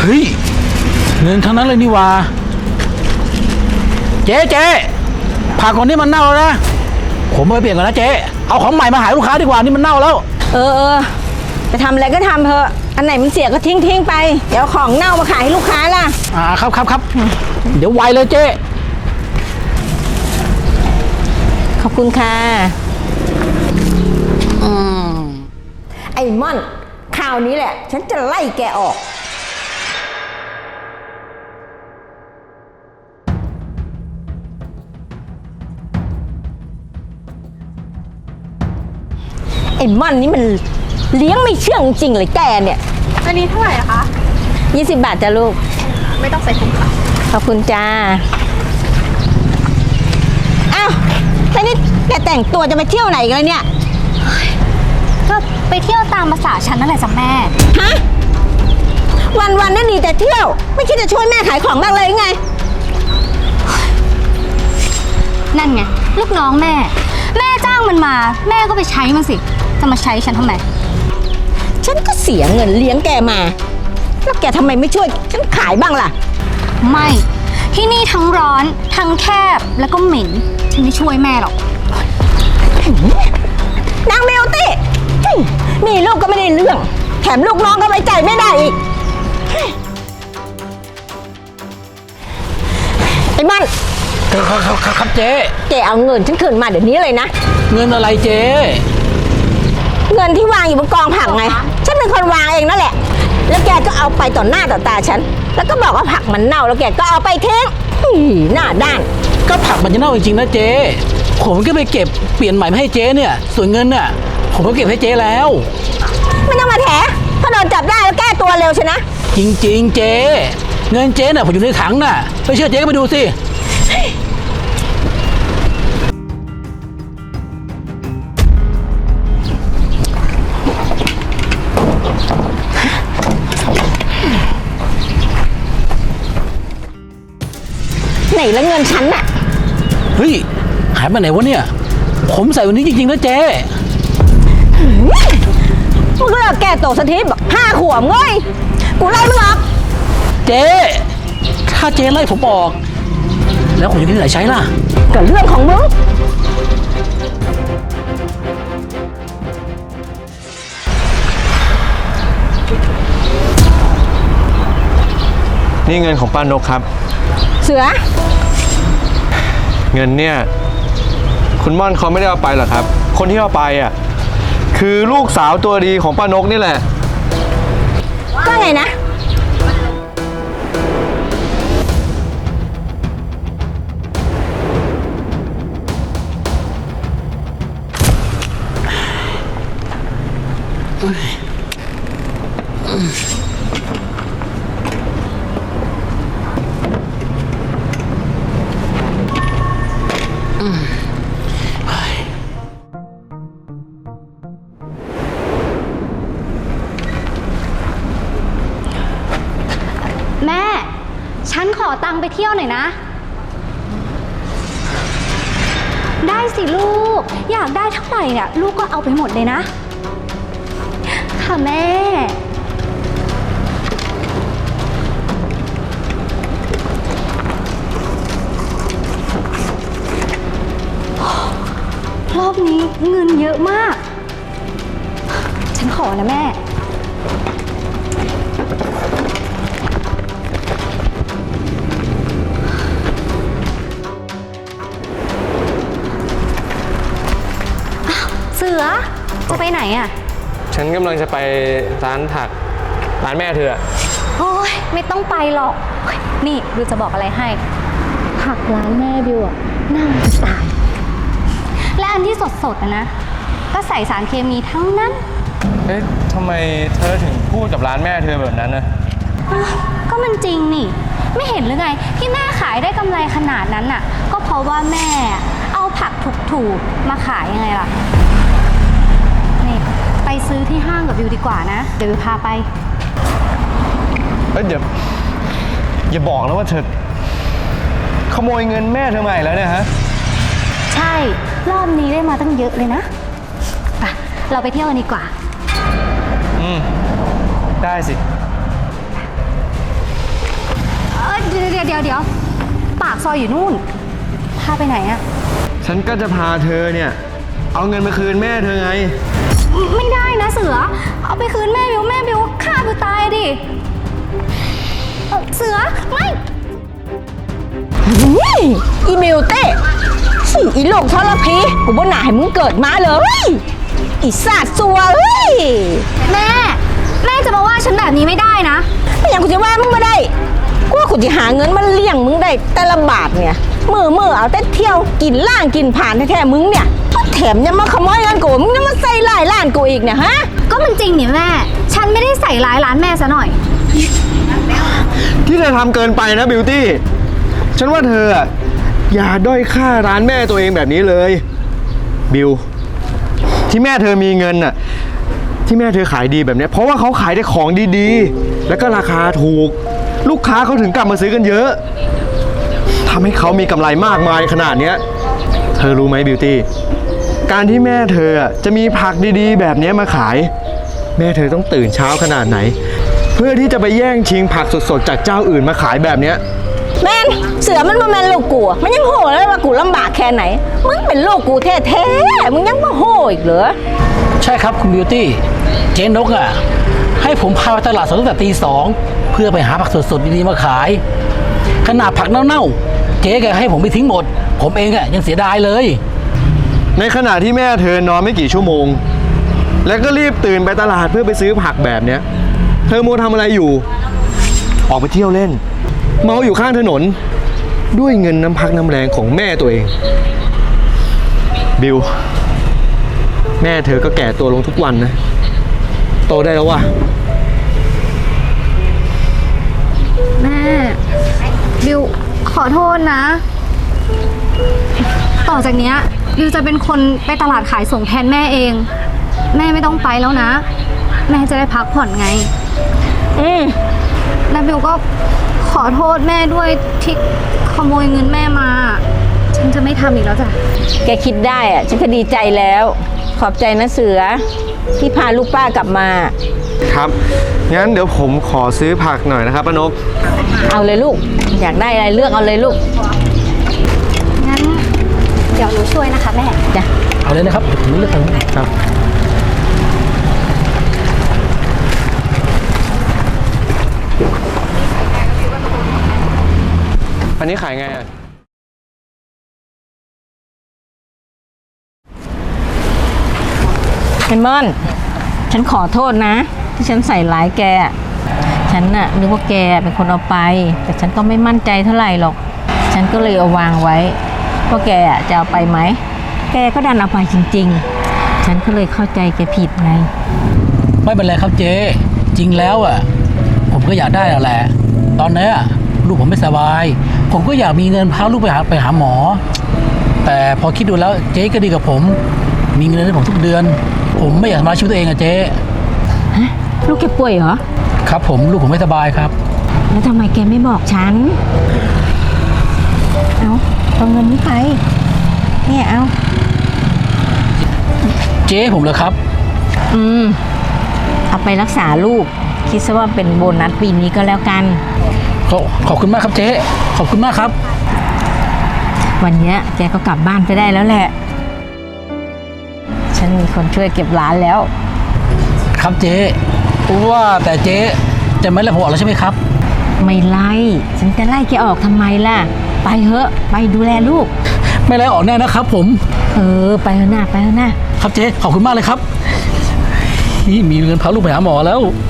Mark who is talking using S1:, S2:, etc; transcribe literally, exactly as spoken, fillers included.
S1: ฮ้ยเงินทั้งนั้นเลยนี่วะเจ๊เจ๊ผักก่อนนี้มันเน่าแล้วนะผมไปเปลี่ยนก่อนนะเจ๊เอาของใหม่มาหาลูกค้าดีกว่านี่มันเน่าแล้ว
S2: เออเออจะทำอะไรก็ทำเถอะอันไหนมันเสียก็ทิ้งทิ้งไปเดี๋ยวของเน่ามาขายให้ลูกค้าล่ะ
S1: อ่าครับครับครับเดี๋ยวไวเลยเจ๊
S2: ขอบคุณค่ะอืมไอ้ม่อนคราวนี้แหละฉันจะไล่แกออกไอ้ม่อนนี่มันเลี้ยงไม่เชื่องจริงเลยแกเนี่ย
S3: อันนี้เท่าไหร่อะคะ
S2: ยี่สิบบาทจ้ะลูก
S3: ไม่ต้องใส่ถุงค่ะ
S2: ขอบคุณจ้าอ้าวแล้วนี่แกแต่งตัวจะไปเที่ยวไหนกันเลยเนี่ย
S3: ก็ไปเที่ยวตามภาษาฉันนั่นแหละจ้ะแม่
S2: ฮะวันวันนั่นดีแต่เที่ยวไม่คิดจะช่วยแม่ขายของบ้างเลยไง
S3: นั่นไงลูกน้องแม่แม่จ้างมันมาแม่ก็ไปใช้มันสิจะมาใช้ฉันทำไม
S2: ฉันก็เสียเงินเลี้ยงแกมาแล้วแกทำไมไม่ช่วยฉันขายบ้างล่ะ
S3: ไม่ที่นี่ทั้งร้อนทั้งแคบแล้วก็เหม็นฉันไม่ช่วยแม่หรอก
S2: นางเมลตี้มีลูกก็ไม่ได้เรื่องแถมลูกน้องก็ไว้ใจไม่ได้อีกไอ้มัน
S1: ครับครับครับเจ๊
S2: แกเอาเงินฉันคืนมาเดี๋ยวนี้เลยนะ
S1: เงินอะไรเจ๊
S2: เงินที่วางอยู่บนกองผักไงฉันเป็นคนวางเองนั่นแหละแล้วแกก็เอาไปต่อหน้าต่อตาฉันแล้วก็บอกว่าผักมันเน่าแล้วแกก็เอาไปทิ้งหน้าด้าน
S1: ก็ผักมันจะเน่าจริงๆนะเจ๊ผมก็ไปเก็บเปลี่ยนใหม่มาให้เจ๊เนี่ยส่วนเงินน่ะผมก็เก็บให้เจ๊แล้ว
S2: ไม่ต้องมาแถถ้าโดนจับได้แล้วแก้ตัวเร็วใช่นะ
S1: จริงๆเจ๊เงินเจ๊น่ะผมอยู่ในถังน่ะไม่เชื่อเจ๊ก็ไปดูสิ
S2: ไหนแล้วเงินฉันน่ะ
S1: เฮ้ยหายไปไหนวะเนี่ยผมใส่วันนี้จริงๆนะเจ๊
S2: มึงเลิกแก้ตัวสักทีบอกห้าขวบเงยกูไล่มึงออก
S1: เจ๊ถ้าเจ๊ไล่ผมออกแล้วผมจะที่ไหนใช้ล่ะ
S2: ก็เรื่องของมึง
S4: นี่เงินของป้านกครับ
S2: เสือ
S4: เงินเนี่ยคุณม่อนเขาไม่ได้เอาไปหรอกครับคนที่เอาไปอ่ะคือลูกสาวตัวดีของป้านกนี่แหละ
S2: ว่าไงนะ
S3: แม่ฉันขอตังค์ไปเที่ยวหน่อยนะได้สิลูกอยากได้เท่าไหร่เนี่ยลูกก็เอาไปหมดเลยนะค่ะแม่รอบนี้เงินเยอะมากฉันขอนะแม่เสือจะไปไหนอ่ะ
S4: ฉันกำลังจะไปร้านผักร้านแม่เธอ
S3: โอ้ยไม่ต้องไปหรอกนี่บิวจะบอกอะไรให้ผักร้านแม่บิวอ่ะน่าจะตายและอันที่สดๆนะนะก็ใส่สารเคมีทั้งนั้น
S4: เอ๊ะทำไมเธอถึงพูดกับร้านแม่เธอแบบนั้นนะ
S3: ก็มันจริงนี่ไม่เห็นหรือไงที่แม่ขายได้กำไรขนาดนั้นน่ะก็เพราะว่าแม่เอาผักถูกๆมาขายยังไงล่ะนี่ไปซื้อที่ห้างกับบิวดีกว่านะเดี๋ยวบิวพาไป
S4: เอ้ยเดี๋ยวอย่าบอกนะว่าเธอขโมยเงินแม่เธอมาอีกแล้วเนี่ยฮะ
S3: ใช่รอบนี้ได้มาตั้งเยอะเลยนะไปเราไปเที่ยวกันดีกว่า
S4: อืมได้สิ
S3: เดี๋ยวเดี๋ยวเดี๋ยวเดี๋ยวปากซอยอยู่นู่น พาไปไหนอะ
S4: ฉันก็จะพาเธอเนี่ย เอาเงินมาคืนแม่เธอไง
S3: ไม่ได้นะเสือ เอาไปคืนแม่บิวแม่บิวฆ่าบิวตายดิเอ่อเสือไม่
S2: นี่อีมิวเต้สี่อีโลกทรพีกูบ่หนาให้มึงเกิดมาเลยอีศาสตร์สัวเฮ้ย
S3: แม่ แม่จะมาว่าฉันแบบนี้ไม่ได้นะ
S2: ไม่อย่างกูจะว่ามึงมาได้กูว่ากูจะหาเงินมาเลี้ยงมึงได้แต่ละบาทเนี่ยมือมือเอาแต่เที่ยวกินล่างกินผ่านแท้ๆมึงเนี่ยแถมยังมาขโมยเงินกูมึงยังมาใส่ลายล้านกูอีกเนี่ยฮะ
S3: ก็มันจริงนี่แม่ ฉันไม่ได้ใส่ร้ายร้านแม่ซะหน่อย
S4: ที่เธอทำเกินไปนะบิวตี้ ฉันว่าเธออะอย่าด้อยค่าร้านแม่ตัวเองแบบนี้เลย บิว ที่แม่เธอมีเงินน่ะ ที่แม่เธอขายดีแบบเนี้ยเพราะว่าเขาขายได้ของดีๆ แล้วก็ราคาถูก ลูกค้าเขาถึงกลับมาซื้อกันเยอะทำให้เขามีกำไรมากมายขนาดเนี้ย เธอรู้ไหมบิวตี้ การที่แม่เธออะจะมีผักดีๆ แบบเนี้ยมาขาย แม่เธอต้องตื่นเช้าขนาดไหน เพื่อที่จะไปแย่งชิงผักสดๆจากเจ้าอื่นมาขายแบบเนี้ย
S2: แมนเสือมันมาแมนลูกกูอะมันยังโหเลยว่ากูลำบากแค่ไหนมึงเป็นลูกกูแท้ๆมึงยังมาโหอีกเหรอ
S1: ใช่ครับคุณบิวตี้เจ๊นกอ่ะให้ผมพาไปตลาดสดตั้งแต่ตีสองเพื่อไปหาผักสดๆดีๆมาขาย ขนาดผักเน่าๆเจ๊แกให้ผมไปทิ้งหมด ผมเองอ่ะยังเสียดายเลย
S4: ในขณะที่แม่เธอนอนไม่กี่ชั่วโมง แล้วก็รีบตื่นไปตลาดเพื่อไปซื้อผักแบบเนี้ย เธอโมวทำอะไรอยู่ ออกไปเที่ยวเล่น เมาอยู่ข้างถนน ด้วยเงินน้ำพักน้ำแรงของแม่ตัวเอง บิว แม่เธอก็แก่ตัวลงทุกวันนะ โตได้แล้วว่ะ
S3: แม่ บิวขอโทษนะ ต่อจากเนี้ยบิวจะเป็นคนไปตลาดขายส่งแทนแม่เอง แม่ไม่ต้องไปแล้วนะ แม่จะได้พักผ่อนไง
S2: อืม
S3: แล้วบิวก็ขอโทษแม่ด้วยที่ขโมยเงินแม่มา ฉันจะไม่ทำอีกแล้วจ้ะ
S2: แกคิดได้อะฉันก็ดีใจแล้ว ขอบใจนะเสือที่พาลูกป้ากลับมา
S4: ครับ งั้นเดี๋ยวผมขอซื้อผักหน่อยนะครับป้านก
S2: เอาเลยลูก อยากได้อะไรเลือกเอาเลยลูก
S3: งั้นเดี๋ยวหนูช่วยนะคะแม่
S2: จ้ะ
S1: เอาเลยนะครับผมเลือกทางนี้ครับ
S4: อันนี้ขายไงอ่ะ
S2: เฮมอนฉันขอโทษนะ ที่ฉันใส่ร้ายแก ฉันน่ะนึกว่าแกเป็นคนเอาไป แต่ฉันก็ไม่มั่นใจเท่าไหร่หรอก ฉันก็เลยเอาวางไว้ว่าแกจะเอาไปไหม แกก็ดันเอาไปจริงๆ ฉันก็เลยเข้าใจแกผิดไง
S1: ไม่เป็นไรครับเจ๊จริงแล้วอ่ะผมก็อยากได้แล้วแหละ ตอนนี้อะลูกผมไม่สบาย ผมก็อยากมีเงินพาลูกไปหาไปหาหมอ แต่พอคิดดูแล้วเจ๊ก็ดีกับผม มีเงินให้ผมทุกเดือน ผมไม่อยากทำร้ายชีวิตตัวเองอะเจ๊
S2: ฮะ ลูกแกป่วยเหรอ
S1: ครับผมลูกผมไม่สบายครับ
S2: แล้วทำไมแกไม่บอกฉัน เอาเอาเงินนี้ไป เนี่ยเอา
S1: เจ๊ผมเหรอครับ
S2: อืม เอาไปรักษาลูก คิดซะว่าเป็นโบนัสปีนี้ก็แล้วกัน
S1: ขอขอบคุณมากครับเจ๊ขอบคุณมากครับ
S2: วันเนี้ยแกก็กลับบ้านไปได้แล้วแหละ ฉันมีคนช่วยเก็บร้านแล้ว
S1: ครับเจ๊ว่าแต่เจ๊จะไม่ไล่ผมออกแล้วใช่ไหมครับ
S2: ไม่ไล่ ฉันจะไล่แกออกทำไมล่ะ ไปเถอะ ไปดูแลลูก
S1: ไม่ไล่ออกแน่นะครับ ผม
S2: เออ ไปเถอะหน้าไปเถอะหน้า
S1: ครับเจ๊ขอบคุณมากเลยครับนี่มีเงินพาลูกไปหาหมอแล้ว